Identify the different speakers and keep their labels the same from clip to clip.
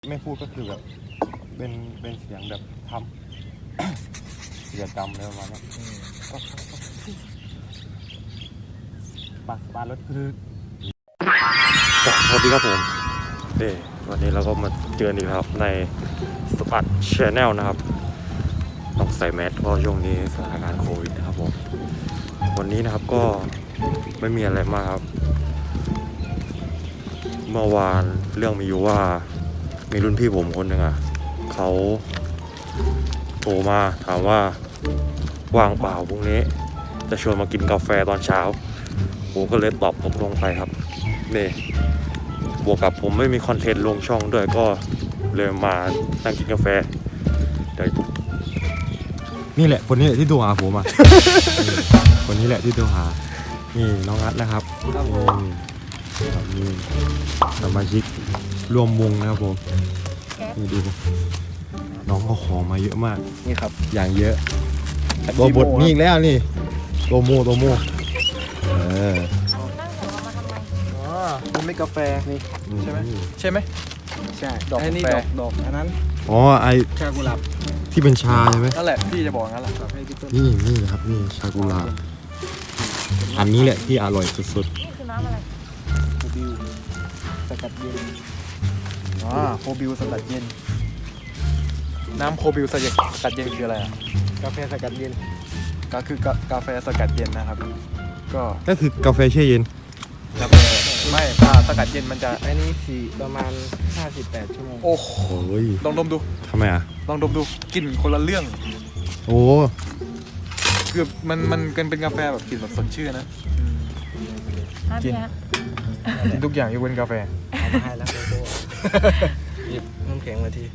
Speaker 1: ไม่พูดก็คือแบบเป็นเสียงแบบทำกิจกรรมอะไรประมาณนี้ปักบานรถคือสวัสดีครับผมวันนี้เราก็มาเจออีกครับในสปัดชาแนลนะครับต้องใส่แมสเพราะช่วงนี้สถานการณ์โควิดนะครับผมวันนี้นะครับก็ไม่มีอะไรมากครับเมื่อวานเรื่องมีอยู่ว่ามีรุ่นพี่ผมคนหนึ่งเขาโทรมาถามว่าว่างเปล่าพรุ่งนี้จะชวนมากินกาแฟตอนเช้าผมก็เลยตอบตกลงไปครับนี่บวกกับผมไม่มีคอนเทนต์ลงช่องด้วยก็เลยมานั่งกินกาแฟนี่แหละคนนี้แหละที่โทรหาผมคนนี้แหละที่โทรหานี่น้องนัทนะครับนี่สมาชิกร่วมวงนะครับผมนี่ดูน้องเขาของมาเยอะมาก
Speaker 2: นี่ครับ
Speaker 1: อย่างเยอะตัวบทนี่อีกแล้วนี่โตโม
Speaker 2: นั่งเหรอมาทำไมมันไม่กาแฟนี่ใช่ไหมใช่ดอกกาแฟดอกอันนั้น
Speaker 1: ไอ
Speaker 2: ชากุหลาบ
Speaker 1: ที่เป็นชาใช่ไหม
Speaker 2: นั่นแหละพี่จะบอกงั้นแหละ
Speaker 1: นี่ครับนี่ชากุหลาบอันนี้แหละที่อร่อยสุด
Speaker 2: ๆนี่คือน้ำอะไรโคบิวสกัดเย็นโคบิวสกัดเย็นน้ำโคบิวสกัดเย็นคืออะไรกาแฟสกัดเย็นก็คือกาแฟสกัดเย็นนะครับ
Speaker 1: ก็คือกาแฟแช่เย็น
Speaker 2: กาแฟไม่สกัดเย็นมันจะอันนี้ประมาณ58ชั่วโมงโอ้โหลองดมดู
Speaker 1: ทำไม
Speaker 2: ลองดมดูกลิ่นคนละเรื่องคือมันเป็นกาแฟแบบกลิ่นแบบสดชื่นนะกินทุกอย่างยกเว้นกาแฟเอามาให้แล้วโกโก้หยิบน้ำแข็งมาที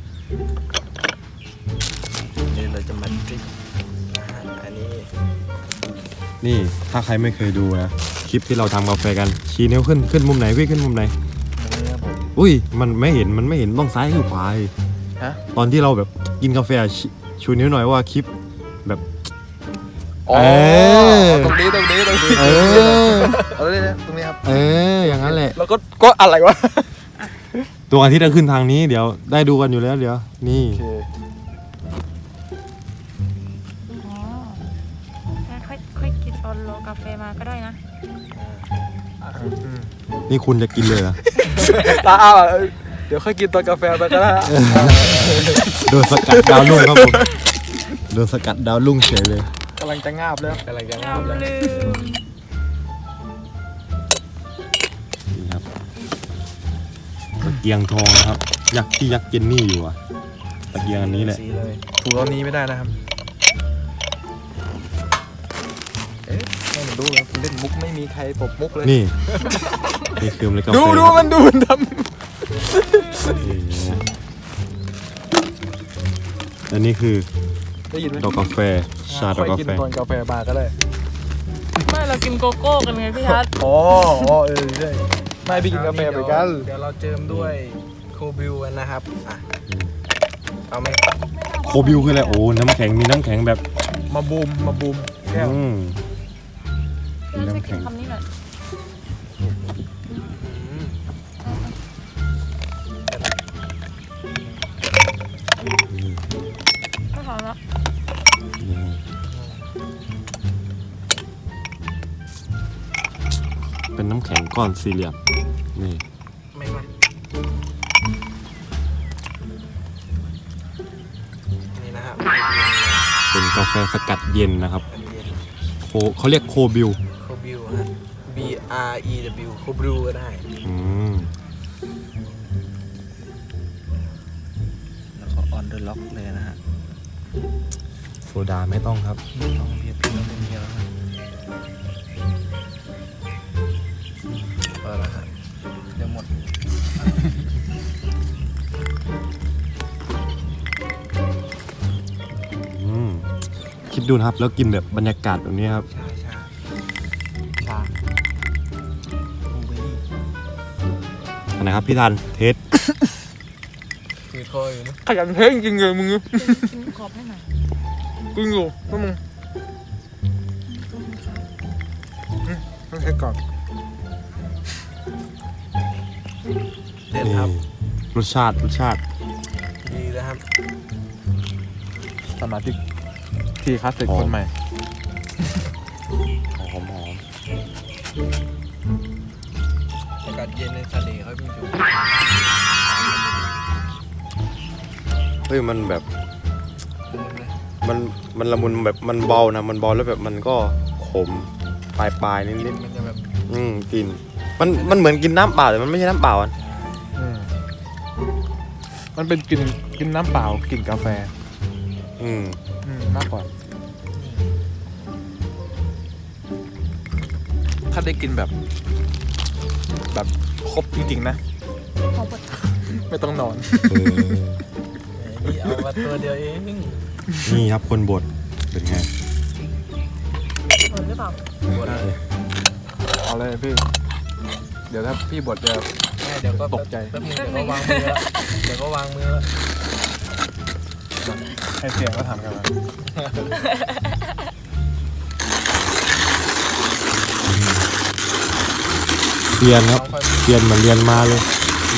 Speaker 2: นี่เราจะมาดริปอันนี้
Speaker 1: นี่ถ้าใครไม่เคยดูนะคลิปที่เราทำกาแฟกันชี้นิ้วขึ้นมุมไหนพี่ขึ้นมุมไหนอุ้ยมันไม่เห็นต้องซ้ายหรือขวาตอนที่เราแบบกินกาแฟชูนิ้วหน่อยว่าคลิปแบบ
Speaker 2: ตรงนี้เอาเลยตรงนี้ครับ
Speaker 1: อย่างนั้นแหละ
Speaker 2: แล้วก็อะไรวะ
Speaker 1: ดวงอาทิตย์จะขึ้นทางนี้เดี๋ยวได้ดูกันอยู่แล้วเดี๋ยวนี่
Speaker 3: ค่อยกินตอนรอกาแฟมาก็ได้นะ
Speaker 1: นี่คุณจะกินเลยเหรอ
Speaker 2: เดี๋ยวค่อยกินตอนกาแฟไปก็ได้
Speaker 1: โดนสกัดดาวรุ่งครับผมโดนสกัดดาวรุ่งเฉยเลย
Speaker 2: กำลังจะงาบแล้ว
Speaker 1: นี่ครับตะเกียงทองนะครับยักษ์เจนนี่อยู่ตะเกียงอันนี้แหละ
Speaker 2: ถูกตอนนี้ไม่ได้นะครับให้มันดูนะเล่นมุกไม่มีใครตบมุกเลย
Speaker 1: นี่คือเลยกาแฟ
Speaker 2: ดูมันดูมันทำ
Speaker 1: อันนี้คือดอกกาแฟชาดอกกาแฟ
Speaker 2: กินตอนกาแฟบาร์ก็ได้
Speaker 3: ไม่เรากินโกโก้กันไงพี่ทัศน์
Speaker 2: ใช่ไม่พี่กินกาแฟไปกันเดี๋ยวเราเจิมด้วยโคบิวกันนะครับเอาไหม
Speaker 1: โคบิวคืออะไรน้ำแข็งมีน้ำแข็งแบบ
Speaker 2: มาบูมแก้ว
Speaker 3: น้ำแข็งคำนี้หน่อยก็พอแล้ว
Speaker 1: เป็นน้ำแข็งก้อนสี่เหลี่ยมนี่
Speaker 2: ไม่นี่นะครับ
Speaker 1: เป็นกาแฟสกัดเย็นนะครับเขาเรียกโคบิว
Speaker 2: ฮะBREW โคบิวก็ได้แล้วก็ออนเดอร์ล็อกเลยนะฮะ
Speaker 1: โซดาไม่ต้องครับ
Speaker 2: ไม่ต้องเพียบแล้วพอแล้วฮะเดี๋ยวหมด
Speaker 1: คิดดูนะครับแล้วกินแบบบรรยากาศแบบนี้ครับ
Speaker 2: ชา
Speaker 1: นะครับพี่ทันเทส
Speaker 2: คือคอยนะขยันเทสจริงเลยมึง
Speaker 3: กินขอบให้หน่อย
Speaker 2: กินอยู่พวกมึงต้องเทสก่อนเด็ดครับ
Speaker 1: รสชาติ
Speaker 2: นะครับ สมาชิกที่คลาสสิกคนใหม่
Speaker 1: หอม
Speaker 2: อากาศเย็นในทะเลเขามีอยู่
Speaker 1: เฮ้ยมันแบบมันละมุนแบบมันเบานะมันเบาแล้วแบบมันก็ขมปลายนิด
Speaker 2: มันจะแบบ
Speaker 1: ๆกินมันเหมือนกินน้ำเปล่าแต่มันไม่ใช่น้ำเปล่าอ่ะ
Speaker 2: มันเป็นกินน้ำเปล่ากลิ่นกาแฟมากกว่า ถ้าได้กินแบบครบจริงๆนะ
Speaker 3: พอปวด
Speaker 2: ไม่ต้องนอน นี่เอามาตัวเดียวเอง
Speaker 1: นี่ครับคนบดเป็นไง
Speaker 3: ปวดหรือเปล่า
Speaker 2: เอาเลยพี่ เดี๋ยวถ้าพี่บดจะเดี๋ยวก็ตกใจเดี๋ยวก็วางมือแล้วเดี๋ยวก็วางมือแล้วให้เสียงก็ทำกันแล้ว
Speaker 1: เรียนครับเรียนเหมือนเรียนมาเลย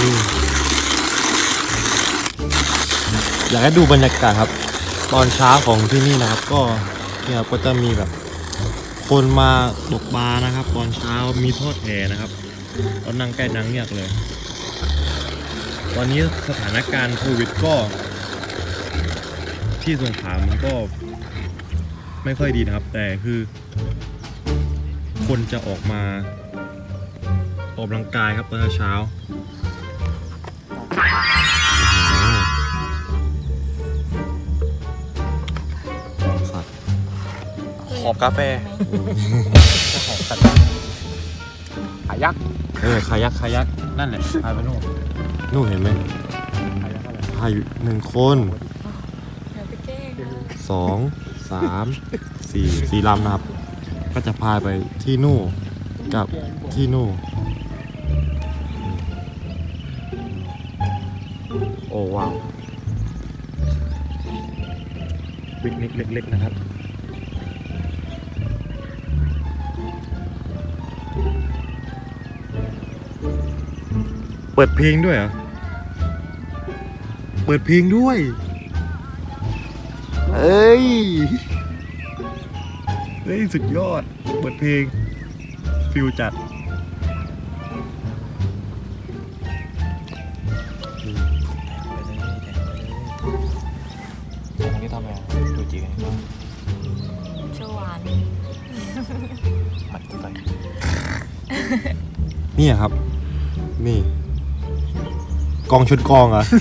Speaker 1: อยากให้ดูบรรยากาศครับ ตอนเช้าของที่นี่นะครับ ก็เนี่ยครับก็จะมีแบบ คนมาตกปลานะครับ ตอนเช้ามีทอดแหนะครับตอนนั่งใกล้นางเงือกเลย ตอนนี้สถานการณ์โควิดก็ที่สงขลามันก็ไม่ค่อยดีนะครับ แต่คือคนจะออกมาออกกำลังกายครับตอนเช้า
Speaker 2: หอบกาแฟหอบสัตว์ขายัก
Speaker 1: คายักนั่นแหละพายไปนู่นเห็นไหมพายอยู่1 คน
Speaker 3: อย่าไปแกล้ง
Speaker 1: 2 3 4ลำนะครับ ก็จะพายไปที่นู่นกับที่นู่นโอ้ว้าวปิกนิกเล็กๆนะครับเปิดเพลงด้วยเหรอเปิดเพลงด้วยเอ้ยสุดยอดเปิดเพลงฟิลจัด
Speaker 2: อันนี้ทำไงดูจีกัน
Speaker 3: เชหวาน
Speaker 2: หัดใส่
Speaker 1: นี่ครับนี่กองชุดกองอ่ะ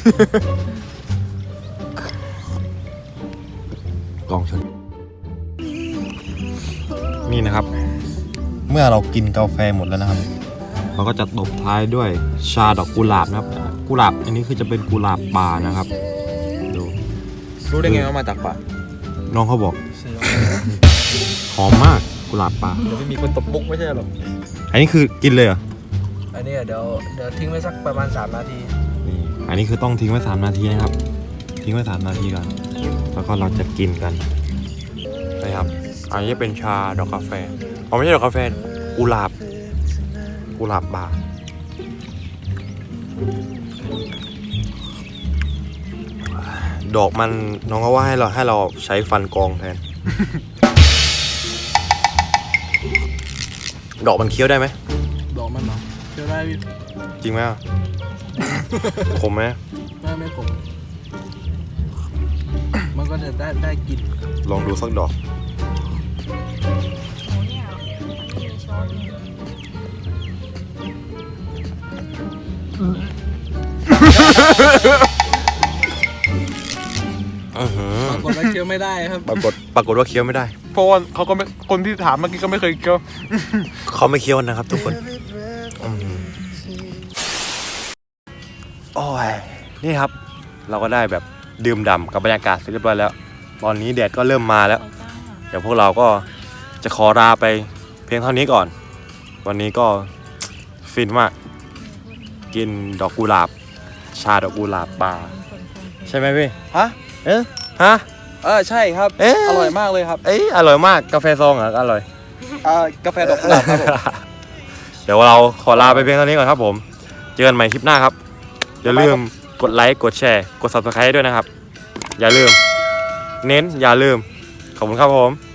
Speaker 1: กองชุดนี่นะครับ เมื่อเรากินกาแฟหมดแล้วนะครับ เราก็จะตบท้ายด้วยชาดอกกุหลาบนะครับกุหลาบอันนี้คือจะเป็นกุหลาบป่านะครับดู
Speaker 2: รู้ได้ไงว่ามาจากป่า
Speaker 1: น้องเขาบอกหอมมากกุหลาบป่า
Speaker 2: เดี๋ยวไม่มีคนตบมุกไม่ใช่หรอ
Speaker 1: อันนี้คือกินเลยเหรอ
Speaker 2: อันนี้เดี๋ยวทิ้งไว้สักประมาณ3 นาที
Speaker 1: นี่อันนี้คือต้องทิ้งไว้3 นาทีนะครับ ทิ้งไว้3 นาทีก่อนแล้วก็เราจะกินกันนะครับอันนี้เป็นชาดอกกาแฟอ๋อไม่ใช่ดอกกาแฟกุหลาบป่าดอกมันน้องก็ว่าให้เราใช้ฟันกรองแทน ดอกมันเคี้ยวได้ไหม
Speaker 2: ดอกมันเหรอเชื่อได้
Speaker 1: จริงไหมอ่ะ ขมไหม
Speaker 2: ไม่ขมมันก็จะได้กิน
Speaker 1: ลองดูสักดอก
Speaker 3: โอ้เนี่ยมีช้อนนี่
Speaker 2: ปรากฏว่าเคี้ยวไม่ได้ครับ
Speaker 1: ปรากฏว่าเคี้ยวไม่ได้
Speaker 2: เพราะว่าเขาก็ไม่คนที่ถามเมื่อกี้ก็ไม่เคยเคี้ยว
Speaker 1: เขาไม่เคี้ยวนะครับทุกคนโอ้ยนี่ครับ เราก็ได้แบบดื่มด่ำกับบรรยากาศเสร็จเรียบร้อยแล้ว ตอนนี้แดดก็เริ่มมาแล้ว
Speaker 3: ไปจ้า
Speaker 1: เดี๋ยวพวกเราก็จะขอลาไปเพียงเท่านี้ก่อน วันนี้ก็ฟินมาก กินดอกกุหลาบ ชาดอกกุหลาบป่า ใช่ไหมพี่
Speaker 2: ฮะ
Speaker 1: ฮะ
Speaker 2: ใช่ครับ อร่อยมากเลยครับ
Speaker 1: อร่อยมากกาแฟซองเหรออร่อย
Speaker 2: กาแฟดอกกุหลาบครับผม
Speaker 1: เดี๋ยวเราขอลาไปเพียงเท่านี้ก่อนครับผม เจอกันใหม่คลิปหน้าครับ อย่าลืมกดไลค์ กดแชร์ กด subscribe ด้วยนะครับ อย่าลืม เน้นอย่าลืม ขอบคุณครับผม